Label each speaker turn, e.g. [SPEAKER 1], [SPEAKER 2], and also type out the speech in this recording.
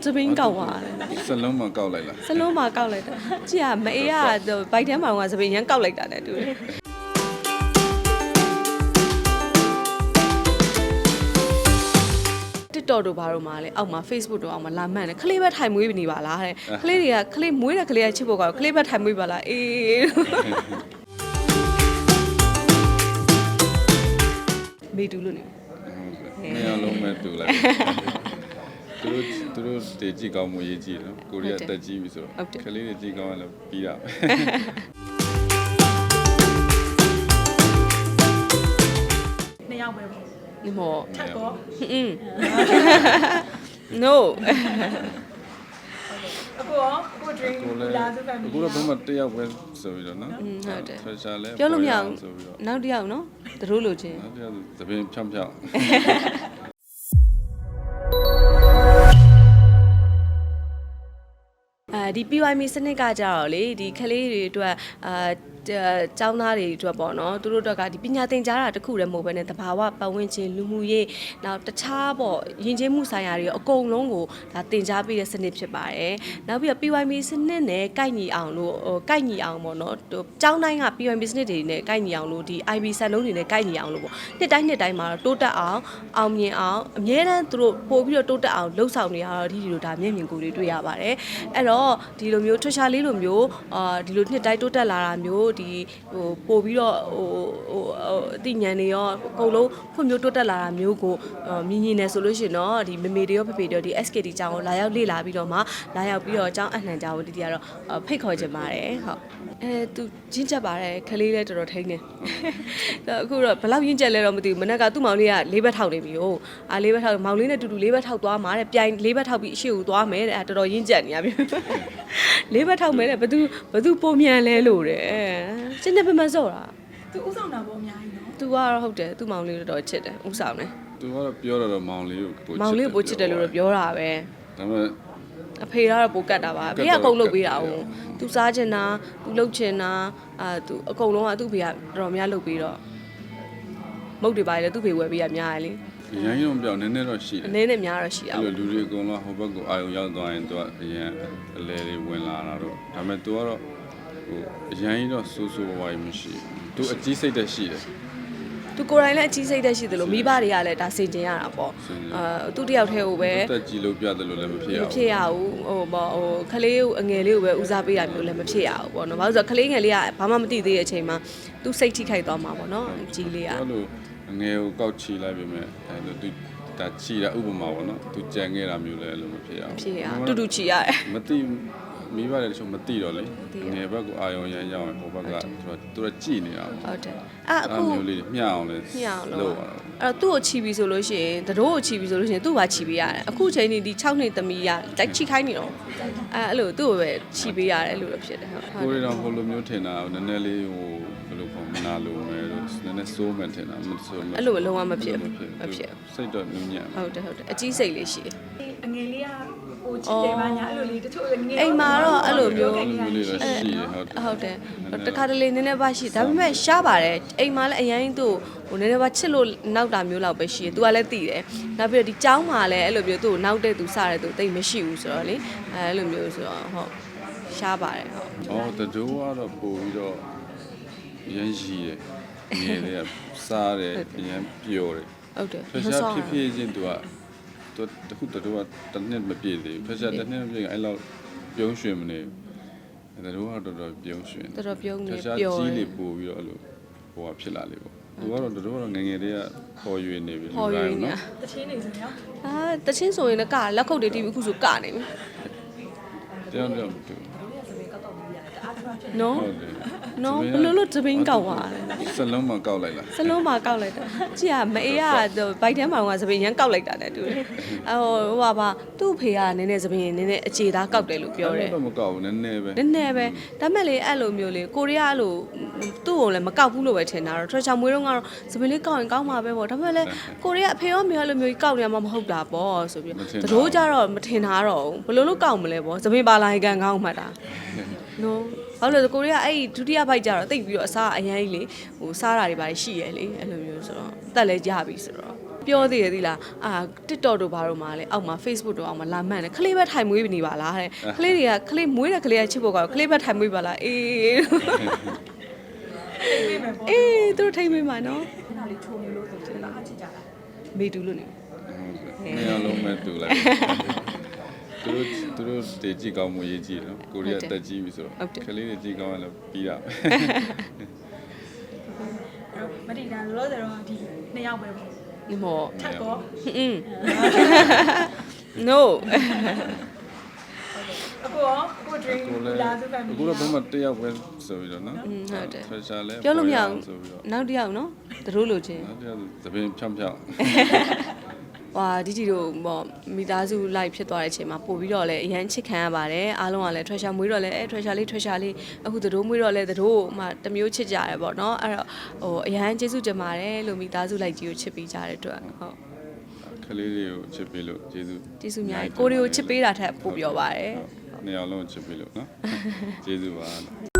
[SPEAKER 1] သပင်းကောက်သွားတယ်
[SPEAKER 2] စလုံးမကောက်လိုက်လား
[SPEAKER 1] စလုံးမှာကောက်လိုက်တာကြည့်ရမအေးကဘိုက်ထဲမှာကသပင်းရမ်းကောက်လိုက်တာနဲ့တူတယ်တော်တို့ဘာလို့မလဲအောက်မှာ Facebook တို့အောက်မှာလာမှန်းတယ်ခလေးပဲထိုင်မွေးနေပါလားတဲ့ခလေးတွေကခလေးမွေးတဲ့ခလေးကချစ်ဖို့ကောခလေးပဲထိုင်မွေးပါလားအေးမေတူလို့နေ
[SPEAKER 2] မရလုံးမဲ့တူလိုက်သူတို့တေကြည့်ကောင်းမှုရေးကြည့်နော်ကိုရီးယားတက်ကြည့်ပြီဆိုတော့ကလေးတွေကြည့်ကောင်းရလို့ပြီးတာပဲ
[SPEAKER 3] နှစ်ယောက်ပဲပေါ့
[SPEAKER 1] ဒီမော
[SPEAKER 3] ထပ်တော့
[SPEAKER 1] no
[SPEAKER 3] အခု dream လာသူပဲ
[SPEAKER 2] အခုတော့ဘုမတယောက်ပဲဆိုပြီးတော့နော်
[SPEAKER 1] ဟုတ်တယ်
[SPEAKER 2] treasure လဲ
[SPEAKER 1] ပြောလို့မရဘူးနောက်တစ်ယောက်နော်သူတို့လိုချင်
[SPEAKER 2] နောက်တစ်ယောက်သပင်းဖြောင်းဖြောင်း
[SPEAKER 1] ဒီ PYM စနစ်ကကြတော့လေဒီကလေးတွေအတွက်ကျောင်းသားတွေအတွက်ပေါ့နော်သူတို့အတွက်ကဒီပညာသင်ကြားတာတခုတည်းမဟုတ်ဘဲနဲ့တဘာဝပတ်ဝန်းကျင်လူမှုရေးနောက်တခြားပေါ့ယဉ်ကျေးမှုဆိုင်ရာတွေအကုန်လုံးကိုဒါသင်ကြားပေးတဲ့စနစ်ဖြစ်ပါတယ်နောက်ပြီးတော့ PYM စနစ်နဲ့ကိုက်ညီအောင်လို့ကိုက်ညီအောင်ပေါ့နော်ကျောင်းတိုင်းက PYM စနစ်တွေနဲ့ကိုက်ညီအောင်လို့ဒီ IB စံနှုန်းတွေနဲ့ကိုက်ညီအောင်လို့ပေါ့နှစ်တိုင်းမှာတိုးတက်အောင်အောင်မြင်အောင်အမြဲတမ်းသူတို့ပို့ပြီးတော့တိုးတက်အောင်လှုပ်ဆောင်နေရတော့ဒီလိုဒါမျက်မြင်ကိုယ်တွေတွေ့ရပါတယ်အဲ့တော့ဒီလိုမျိုးထွှရှာလေးလိုမျိုးဒီလိုနှစ်တိုင်းတိုးတက်လာတာမျိုးဒီပို့ပြီးတော့အသိဉာဏ်တွေရောအကုန်လုံးဖွံ့ဖြိုးတိုးတက်လာတာမျိုးကိုမြင်နေဆိုလို့ရှိရင်တော့ဒီမေမေတွေရောဖေဖေတွေရောဒီ SKD ကျောင်းကိုလာရောက်လေ့လာပြီးတော့မှလာရောက်ပြီးတော့ကျောင်းအနှံကျောင်းကိုတီတီကတော့ဖိတ်ခေါ်ချင်ပါတယ်ဟုတ်သူရင့်ကျက်ပါတယ်ခလေးလည်းတော်တော်ထိန်းနေအခုတော့ဘယ်လောက်ရင့်ကျက်လဲတော့မသိဘူးမနက်ကသူ့မောင်လေးက၄ဘက်ထောက်နေပြီဟုတ်၄ဘက်ထောက်မောင်လေးနဲ့တူတူ၄ဘက်ထောက်သွားမှာတဲ့ပြိုင်၄ဘက်ထောက်ပြီးအရှိကိုသွားမယ်တဲ့တော်တော်ရင့်ကျက်နေရပြီ၄ဘက်ထောက်မယ်တဲ့ဘသူပုံမြန်လဲလို့တဲ့စနေပမစော့တာ
[SPEAKER 3] သူဥဆောင်တာပေါ့အများကြီးနော်
[SPEAKER 1] သူကတော့ဟုတ်တယ်သူ့မောင်လေးတော်တော်ချစ်တယ်ဥဆောင်တယ်
[SPEAKER 2] သူကတော့ပြောတော့မောင်လေးကိုပို့ချစ်တယ်
[SPEAKER 1] မောင်လေးကိုပို့ချစ်တယ်လို့တော့ပြောတာပဲ
[SPEAKER 2] ဒါပေမဲ့
[SPEAKER 1] အဖေကတော့ပိုကတ်တာပါဖေကကုန်းလုပ်ပေးတာဟုတ်သူစားချင်တာသူလှုပ်ချင်တာသူအကုန်လုံးကသူ့ဖေကတော်တော်များလုပ်ပေးတော့မုတ်တွေပါလေသူ့ဖေဝယ်ပေးရများတယ်လေ
[SPEAKER 2] ရန်ရုံပြောင်းနည်းနည်းတော့ရှိတယ်
[SPEAKER 1] အနည်းနဲ့များတော့ရှိတာ
[SPEAKER 2] အဲ့လိုလူတွေအကုန်လုံးဟိုဘက်ကိုအာရုံရောက်သွားရင်သူကအရင်အလဲတွေဝင်လာတာတော့ဒါပေမဲ့သူကတော့ဟိုအရင်ကြီးတော့စိုးစိုးဝါးဝါးမရှိဘူးသူအကြီးစိတ်တက်ရှိတယ်
[SPEAKER 1] သူကိုယ်တိုင်လည်းအကြီးစိတ်တက်ရှိတယ်လို့မိဘတွေကလည်းဒါစင်ကျင်ရတာပေါ့သူတယောက်တည်းကိုပဲ
[SPEAKER 2] တက်ကြီးလို့ပြတယ်လို့လည်းမဖြစ်ရဘူး
[SPEAKER 1] မဖြစ်ရဘူးဟိုပေါ့ဟိုခလေးကိုအငယ်လေးကိုပဲဦးစားပေးတာမျိုးလည်းမဖြစ်ရဘူးပေါ့နော်ဘာလို့ဆိုတော့ခလေးငယ်လေးကဘာမှမသိသေးတဲ့အချိန်မှာသူစိတ်ထိခိုက်သွားမှာပေါ့နော်ကြီးလေးက
[SPEAKER 2] အဲ့လိုအငယ်ကိုကောက်ချီလိုက်ပြီမဲ့အဲ့လိုသူဒါချီတာဥပမာပေါ့နော်သူကြံခဲ့တာမျိုးလည်းအဲ့လိုမဖြစ်ရဘူး
[SPEAKER 1] ဖြစ်ရတူတူချီရတယ်
[SPEAKER 2] မသိမိဘတွေတချို့မသိတော့လေငယ်ဘက်ကိုအာရုံရမ်းရောက်ရင်ဟိုဘက်ကသူကကြည်နေတာ
[SPEAKER 1] ဟုတ်တယ်အခု
[SPEAKER 2] မျိုးလေးမျှအောင်လဲ
[SPEAKER 1] ညအောင်လို့အဲ့တော့သူ့ကိုချီပြီးဆိုလို့ရှိရင်တတိုးကိုချီပြီးဆိုလို့ရှိရင်သူ့ဘာချီပေးရတယ်အခုချိန်ဒီ6နှစ်သမီးရတိုက်ချီခိုင်းနေတော့အဲ့လိုသူ့ကိုပဲချီပေးရတယ်အဲ့လိုဖြစ်တယ်ဟုတ်
[SPEAKER 2] ကိုရီတော့ဟိုလိုမျိုးထင်တာနည်းနည်းလေးဟိုဘယ်လိုခေါ်မနာလို့မယ်လို့နည်းနည်းစိုးမှန်ထင်တာမစိုးမှန်
[SPEAKER 1] အဲ့လိုလုံးဝမဖြစ်ဘူးမဖြစ်
[SPEAKER 2] စိတ်တော့နူးညံ့
[SPEAKER 1] ဟုတ်တယ်အကြီးစိတ်လေးရှိတယ်
[SPEAKER 3] အငယ်လေးကဟိုချစ်တယ်ပါညာအဲ့လိုလေးတချို့ငယ်
[SPEAKER 1] အိမ်မှာတော့အဲ့လိုမျိုး
[SPEAKER 2] လေးတော့ရှိရဟုတ်တယ်
[SPEAKER 1] ဟုတ်တယ်တခါတလေနည်းနည်းပါရှိဒါပေမဲ့ရှားပါတယ်အိမ်မှာလည်းအရင်သူ့ဟိုနည်းနည်းပါချစ်လို့နောက်တာမျိုးလောက်ပဲရှိတယ်သူကလည်းသိတယ်နောက်ပြီးတော့ဒီကျောင်းမှာလည်းအဲ့လိုမျိုးသူ့ကိုနောက်တဲ့သူစတဲ့သူတိတ်မရှိဘူးဆိုတော့လေအဲ့လိုမျိုးဆိုတော့ဟုတ်ရှားပါတယ်ဟုတ်
[SPEAKER 2] အော်တတိုးကတော့ပို့ပြီးတော့ရမ်းရှိတယ်ငယ်လေးကစားတယ်ရမ်းပျော်တယ်
[SPEAKER 1] ဟုတ်တယ်
[SPEAKER 2] ဖက်ရှားဖြစ်ဖြစ်ချင်းသူကတခုတတိုးကတစ်နှစ်မပြည့်သေးဘူးဖက်ရှားတစ်နှစ်မပြည့်အဲ့လောက်ပြုံးရွှင်မနေဘူးတတိုးကတော့တော်ပြုံးရွှင်
[SPEAKER 1] တော်တော်ပြုံးနေ
[SPEAKER 2] ဖက်ရှား
[SPEAKER 1] ပျော်
[SPEAKER 2] ကြီးလေးပို့ပြီးတော့အဲ့လိုဟိုကဖြစ်လာလေပေါ့သူကတော့တတိုးကတော့ငငယ်လေးကခေါ်ရွေနေပြီ
[SPEAKER 1] ဟော်ရင်းနေ
[SPEAKER 3] တချင်းနေဆိုရင်ရော
[SPEAKER 1] တချင်းဆိုရင်လည်းကလက်ခုပ်တွေတီးပြီးအခုဆိုကနေပြီ
[SPEAKER 2] တရားတော့တူ
[SPEAKER 1] နော်
[SPEAKER 2] ဟုတ်တယ်
[SPEAKER 1] နော်ဘလို့လို့သပင်းကောက်သွားတယ်
[SPEAKER 2] စလုံးမကောက်လိုက်လား
[SPEAKER 1] စလုံးမှာကောက်လိုက်တာကြည့်ရမအေးကဘိုက်ထဲမှာကသပင်းရမ်းကောက်လိုက်တာနဲ့တူတယ်ဟိုပါသူ့ဖေကနည်းနည်းသပင်းနည်းနည်းအခြေသားကောက်တယ်လို့ပြောတယ်
[SPEAKER 2] တော့မကောက်ဘူးနည်းနည်းပဲ
[SPEAKER 1] နည်းနည်းပဲဒါမဲ့လေအဲ့လိုမျိုးလေကိုရီးယားလိုသူ့ကိုလည်းမကောက်ဘူးလို့ပဲထင်တာတော့ treasure မွေးတော့ကတော့သပင်းလေးကောက်ရင်ကောက်မှာပဲပေါ့ဒါမဲ့လေကိုရီးယားအဖေရောမေရောလိုမျိုးကြီးကောက်နေမှာမဟုတ်တာပေါ့ဆိုပြီးတို့ကြတော့မထင်တာတော့ဘလို့လို့ကောက်မလဲပေါ့သပင်းပါလာရင်ကန်ကောက်မှတ်တာနော်ဘာလို့လဲကိုရီးယားအဲ့ဒုတိယဘိုက်ကြတော့တိတ်ပြီးတော့အစားအရန်ကြီးလေဟိုစားတာတွေပါရှိရလေအဲ့လိုမျိုးဆိုတော့တက်လဲကြပြီဆိုတော့ပြောသေးရသီလားအာ TikTok တို့ဘာတို့မှာလဲအောက်မှာ Facebook တို့အောက်မှာလာမှန်တယ်ခလေးပဲထိုင်မွေးနေပါလားတဲ့ခလေးတွေကခလေးမွေးတဲ့ခလေးကချစ်ဖို့ကောခလေးပဲထိုင်မွေးပါလားအေး
[SPEAKER 3] ပြေးမယ်ပေါ့
[SPEAKER 1] အေးသူတို့ထိမ့်မေးမှာနော်
[SPEAKER 3] နားလေးချိုးနေလို့ဆိုချစ်တာအချစ်ကြတာ
[SPEAKER 1] မေတူလို့နေ
[SPEAKER 2] နေရာလုံးမဲ့တူလိုက်သူတို့တည်ကြည့်ကောင်းမှုရေးကြည့်နော်ကိုရီးယားတက်ကြည့်ပြီဆိုတော့ကလေးတွေကြည့်ကောင်းရင်လည်းပြီးတာပဲ
[SPEAKER 3] မတိတန်လောဆယ်တော့ဒီနှစ်ယောက်ပဲပေါ့
[SPEAKER 1] ဒီမော
[SPEAKER 3] ထပ်တော့
[SPEAKER 1] อืม no
[SPEAKER 3] အခုရောအခု dream
[SPEAKER 2] ကိုလည်း
[SPEAKER 3] လာသူက
[SPEAKER 2] အခုတော့ဘယ်မှာတယောက်ပဲဆိုပြီးတော့နော်
[SPEAKER 1] ဟုတ်တယ်
[SPEAKER 2] ဆွဲချလဲ
[SPEAKER 1] ပြောလို့မရဘူး
[SPEAKER 2] ဆိုပြီးတော့
[SPEAKER 1] နောက်တစ်ယောက်နော်သူတို့လိုချင်း
[SPEAKER 2] နောက်တယောက်သပင်ဖြောင်းဖြောင်း
[SPEAKER 1] ဟွာဒီတို့ပေါ့မိသားစု live ဖြစ်သွားတဲ့အချိန်မှာပို့ပြီးတော့လည်းအရန်ချစ်ခံရပါတယ်အားလုံးကလည်း treasure မွေးတော့လည်းtreasure လေးအခုသူတို့မွေးတော့လည်းသူတို့မှတစ်မျိုးချစ်ကြရတယ်ပေါ့နော်အဲ့တော့ဟိုအရန်ကျေးဇူးတင်ပါတယ်လို့မိသားစု live ကြီးကိုချစ်ပေးကြတဲ့အတွက်ဟုတ်
[SPEAKER 2] ကလေးတွေကိုချစ်ပေးလို့ကျေးဇူး
[SPEAKER 1] ကျေးဇူးများကြီးကိုတွေကိုချစ်ပေးတာထက်ပိုပြောပါတယ်
[SPEAKER 2] နေရာလုံးချစ်ပေးလို့နော်ကျေးဇူးပါ